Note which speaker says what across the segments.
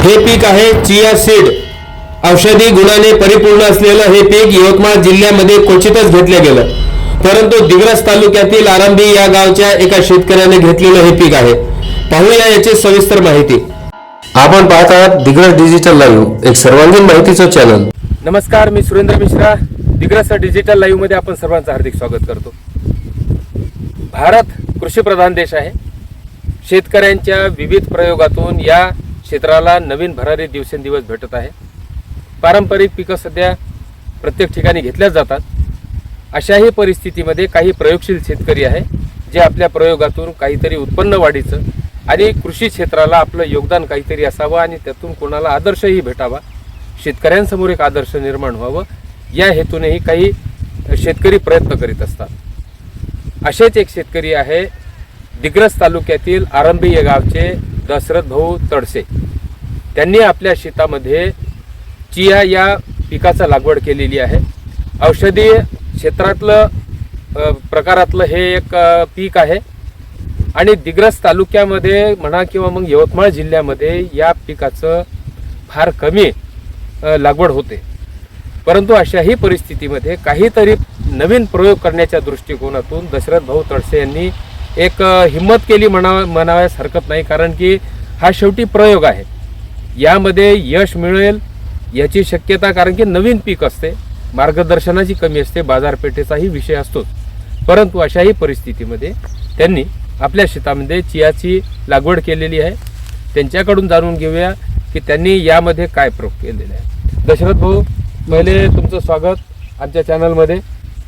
Speaker 1: हे पीक आहे chia seed. औषधी गुणाने परिपूर्ण असलेलं हे पीक यवतमाळ जिल्ह्यामध्ये क्वचितच घेतलं गेलं, परंतु दिग्रस तालुक्यातील आरंभी या गावच्या एका शेतकऱ्याने घेतलेलं हे पीक आहे। पाहूया याची सविस्तर माहिती। आपण पाहत आहात दिग्रस डिजिटल लाईव्ह, एक सर्वांगीण माहितीचं चॅनल।
Speaker 2: नमस्कार, मी सुरेंद्र मिश्रा। दिग्रस डिजिटल लाईव्ह मध्ये आपण सर्वांचं हार्दिक स्वागत करतो। भारत कृषीप्रधान देश आहे। शेतकऱ्यांच्या विविध प्रयोगातून या क्षेत्राला नवीन भरारी दिवसेंदिवस भेटत आहे। पारंपरिक पिकं सध्या प्रत्येक ठिकाणी घेतल्या जातात। अशाही परिस्थितीमध्ये काही प्रयोगशील शेतकरी आहे जे आपल्या प्रयोगातून काहीतरी उत्पन्न वाढीचं आणि कृषी क्षेत्राला आपलं योगदान काहीतरी असावं आणि त्यातून कोणाला आदर्शही भेटावा, शेतकऱ्यांसमोर एक आदर्श निर्माण व्हावं, या हेतूनेही काही शेतकरी प्रयत्न करीत असतात। असेच एक शेतकरी आहे दिग्रस तालुक्यातील आरंभी या गावचे दशरथ भाऊ तडसे। त्यांनी आपल्या शेतामध्ये चिया या पिकाचा लागवड केलेली आहे। औषधी क्षेत्रातलं प्रकारातलं हे एक पीक आहे आणि दिग्रस तालुक्यामध्ये म्हणा किंवा मग यवतमाळ जिल्ह्यामध्ये या पिकाचं फार कमी लागवड होते। परंतु अशाही परिस्थितीमध्ये काहीतरी नवीन प्रयोग करण्याच्या दृष्टिकोनातून दशरथ भाऊ तडसे यांनी एक हिम्मत केली म्हणाव्यास हरकत नाही, कारण की हा शेवटी प्रयोग आहे। यामध्ये यश मिळेल याची शक्यता, कारण की नवीन पीक असते, मार्गदर्शनाची कमी असते, बाजारपेठेचाही विषय असतोच। परंतु अशाही परिस्थितीमध्ये त्यांनी आपल्या शेतामध्ये चियाची लागवड केलेली आहे। त्यांच्याकडून जाणून घेऊया की त्यांनी यामध्ये काय प्रयोग केलेले आहे। दशरथ भाऊ, पहिले तुमचं स्वागत आमच्या चॅनलमध्ये।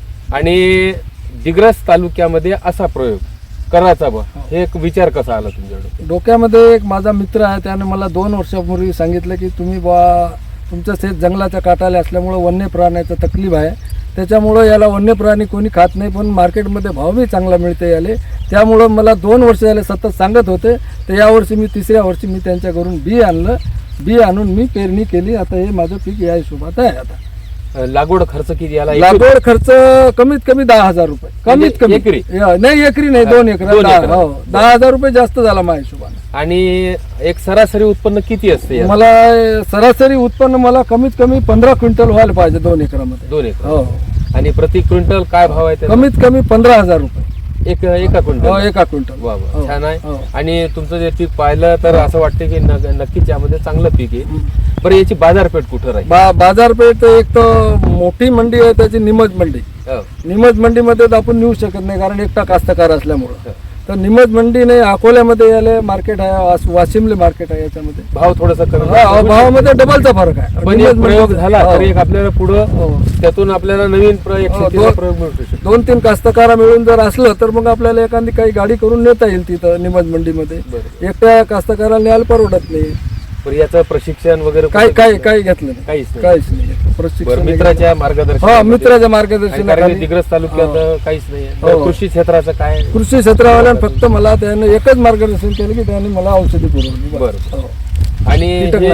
Speaker 2: आणि दिग्रस तालुक्यामध्ये असा प्रयोग करायचा बा, हे एक विचार कसा आला तुमच्याकडे?
Speaker 3: डोक्यामध्ये एक माझा मित्र आहे, त्याने मला 2 वर्षापूर्वी सांगितलं की तुम्ही बा तुमचं शेत जंगलाच्या काठाला असल्यामुळं वन्य प्राण्याचं तकलीफ आहे, त्याच्यामुळं याला वन्य प्राणी कोणी खात नाही, पण मार्केटमध्ये भावही चांगला मिळते याले। त्यामुळं मला 2 वर्ष झाले सतत सांगत होते। तर यावर्षी मी 3ऱ्या वर्षी मी त्यांच्याकडून बी आणलं, बी आणून मी पेरणी केली। आता हे माझं पीक या हिशोबात आहे। आता
Speaker 2: लागवड खर्च किती आला?
Speaker 3: लागवड खर्च कमीत कमी 10,000 रुपये, कमीत कमी।
Speaker 2: एकरी
Speaker 3: नाही, एकरी नाही, 2 एकर। 10,000 रुपये जास्त झाला माझ्या हिशोबाने।
Speaker 2: आणि एक सरासरी उत्पन्न किती असते?
Speaker 3: मला सरासरी उत्पन्न मला कमीत कमी 15 क्विंटल व्हायला पाहिजे 2 एकरामध्ये।
Speaker 2: 2 एकर। आणि प्रति क्विंटल काय भाव आहे?
Speaker 3: कमीत कमी 15,000 रुपये
Speaker 2: एका क्विंटल?
Speaker 3: एका क्विंटल।
Speaker 2: वा वा, छान आहे। आणि तुमचं जे पीक पाहिलं तर असं वाटतं की नक्कीच यामध्ये चांगलं पीक आहे। बरं, याची बाजारपेठ कुठं राहील?
Speaker 3: बाजारपेठ एक तर मोठी मंडी आहे त्याची, निमज मंडी। निमज मंडीमध्ये तर आपण नेऊ शकत नाही, कारण एकटा कास्तकार असल्यामुळं। तर निमज मंडी नाही, अकोल्यामध्ये याले मार्केट आहे, वाशिमले मार्केट आहे। याच्यामध्ये भाव
Speaker 2: थोडासा कमी,
Speaker 3: भावामध्ये डबलचा फरक आहे।
Speaker 2: पण एक प्रयोग झाला तर एक आपल्याला पुढं त्यातून आपल्याला नवीन प्रयोग मिळू शकतो।
Speaker 3: 2-3 कास्तकार मिळून जर असलं तर मग आपल्याला एखादी काही गाडी करून नेता येईल तिथं निमज मंडीमध्ये। एकट्या कास्तकाराला न्यायला परवडत नाही।
Speaker 2: पण याचं प्रशिक्षण वगैरे
Speaker 3: काही घेतलं नाही, काहीच नाही
Speaker 2: प्रशिक्षण। मित्राच्या मार्गदर्शन?
Speaker 3: मित्राच्या मार्गदर्शन।
Speaker 2: दिग्रस तालुक्यात काहीच नाही। कृषी क्षेत्राचं काय?
Speaker 3: कृषी क्षेत्रावाल्यानं फक्त मला त्याने एकच मार्गदर्शन केलं की त्यांनी मला औषधी पुरवली।
Speaker 2: बरं। आणि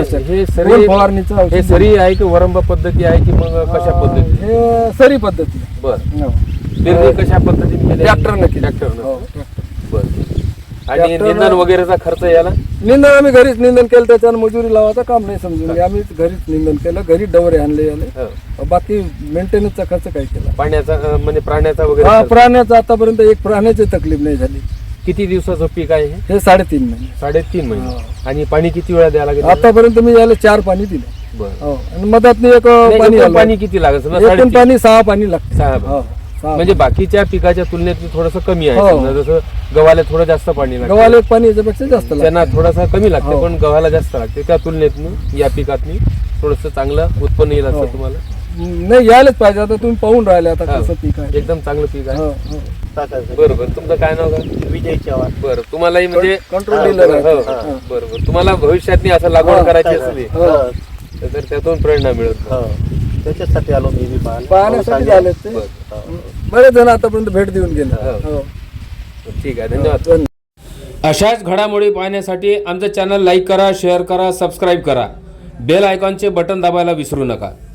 Speaker 2: हे सरी आहे की वरंबा पद्धती आहे की मग कशा पद्धती?
Speaker 3: हे सरी पद्धती।
Speaker 2: बरं। पेरणी कशा पद्धतीने?
Speaker 3: ट्रॅक्टरनं।
Speaker 2: बरं। आणि निंदन वगैरेचा खर्च याला?
Speaker 3: निंदन आम्ही घरीच निंदन केलं, त्याच्यानं मजुरी लावायचं काम नाही समजून घ्या। आम्ही घरीच निंदन केलं, घरी डवरे आणले याले। बाकी मेंटेनन्सचा खर्च काय केला?
Speaker 2: पाण्याचा म्हणजे प्राण्याचा वगैरे?
Speaker 3: प्राण्याचा आतापर्यंत एक प्राण्याची तकलीफ नाही झाली।
Speaker 2: किती दिवसाचं पीक आहे
Speaker 3: हे? 3.5 महिने।
Speaker 2: 3.5 महिने। आणि पाणी किती वेळा द्यायला लागेल?
Speaker 3: आतापर्यंत मी याला 4 पाणी दिले। आणि मधात एक
Speaker 2: पाणी किती लागत?
Speaker 3: एकूण पाणी 6 पाणी लागते।
Speaker 2: 6 म्हणजे बाकीच्या पिकाच्या तुलनेत थोडंसं कमी आहे। जसं गव्हाला थोडं जास्त पाणी लागतं,
Speaker 3: गव्हाला पाणी याच्यापेक्षा जास्त लागतं,
Speaker 2: त्यांना थोडासा कमी लागते, पण गव्हाला जास्त लागते। त्या तुलनेत या पिकात थोडंसं चांगलं उत्पन्न येईल असं तुम्हाला
Speaker 3: नाही यायलाच पाहिजे। आता तुम्ही पाहून राहिले आता कसं पीक आहे,
Speaker 2: एकदम चांगलं पीक आहे। बरोबर। तुमचं काय नाव आहे?
Speaker 4: विजय चव्हाण।
Speaker 2: बरं, तुम्हालाही म्हणजे
Speaker 3: कंट्रोल डीलर आहे।
Speaker 2: बरोबर। तुम्हाला भविष्यात असं लागवड करायची असली तर त्यातून प्रेरणा मिळत,
Speaker 4: त्याच्यासाठी आलो मी
Speaker 3: पाहण्यासाठी आले ते। बरेच जण आतापर्यंत भेट देऊन गेले।
Speaker 2: ठीक आहे, धन्यवाद। अशाच घडामोडी पाहण्यासाठी आमचं चॅनल लाईक करा, शेअर करा, सबस्क्राईब करा, बेल आयकॉनचे बटन दाबायला विसरू नका।